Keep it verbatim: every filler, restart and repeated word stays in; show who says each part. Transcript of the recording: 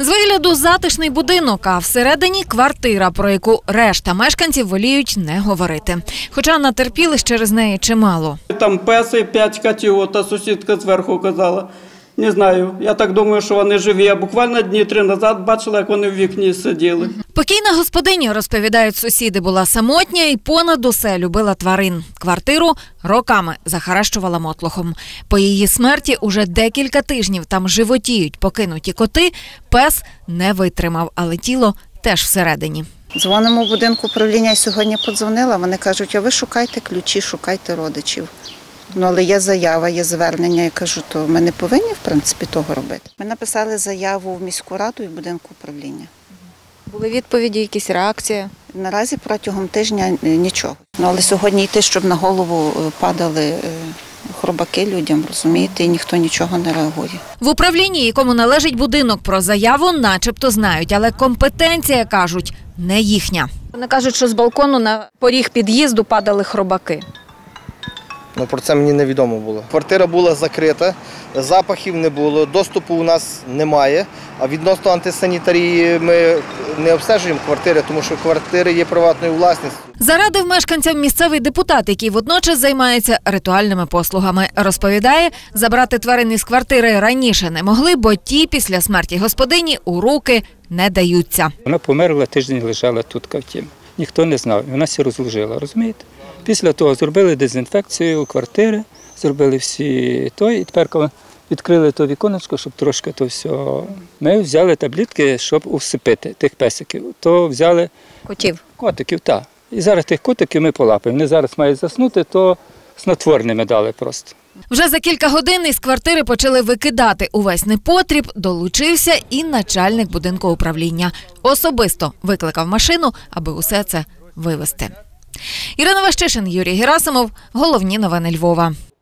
Speaker 1: З вигляду затишний будинок, а всередині квартира, про яку решта мешканців воліють не говорити. Хоча натерпілись через неї чимало.
Speaker 2: Там песи, п'ять котів, та сусідка зверху казала. Не знаю, я так думаю, що вони живі. Я буквально дні три назад бачила, як вони в вікні сиділи.
Speaker 1: Покійна господиня, розповідають сусіди, була самотня і понад усе любила тварин. Квартиру роками захаращувала мотлохом. По її смерті уже декілька тижнів там животіють покинуті коти. Пес не витримав, але тіло теж всередині.
Speaker 3: Дзвонимо в будинку управління, і сьогодні подзвонила. Вони кажуть, а ви шукайте ключі, шукайте родичів. Ну, але є заява, є звернення. Я кажу, то ми не повинні, в принципі, того робити. Ми написали заяву в міську раду і в будинку управління.
Speaker 4: Були відповіді, якісь реакції?
Speaker 3: Наразі протягом тижня нічого. Ну, але сьогодні йти, щоб на голову падали хробаки людям, розумієте, і ніхто нічого не реагує.
Speaker 1: В управлінні, якому належить будинок, про заяву начебто знають, але компетенція, кажуть, не їхня.
Speaker 4: Вони кажуть, що з балкону на поріг під'їзду падали хробаки.
Speaker 5: Ну, про це мені невідомо було. Квартира була закрита, запахів не було, доступу у нас немає. А відносно антисанітарії ми не обстежуємо квартири, тому що квартири є приватною власністю.
Speaker 1: Зарадив мешканцям місцевий депутат, який водночас займається ритуальними послугами. Розповідає, забрати тварин із квартири раніше не могли, бо ті після смерті господині у руки не даються.
Speaker 6: Вона померла, тиждень лежала тут кавтім. Ніхто не знав, вона всі розложила, розумієте? Після того зробили дезінфекцію квартири, зробили всі той, і тепер, коли відкрили то віконечко, щоб трошки то все, ми взяли таблетки, щоб усипити тих песиків. То взяли
Speaker 4: Котів?
Speaker 6: Котиків, так. І зараз тих котиків ми полапаємо. Вони зараз мають заснути, то снотворними дали просто.
Speaker 1: Вже за кілька годин із квартири почали викидати увесь непотріб, долучився і начальник будинку управління. Особисто викликав машину, аби усе це вивезти. Ірина Ващишин, Юрій Герасимов. Головні новини Львова.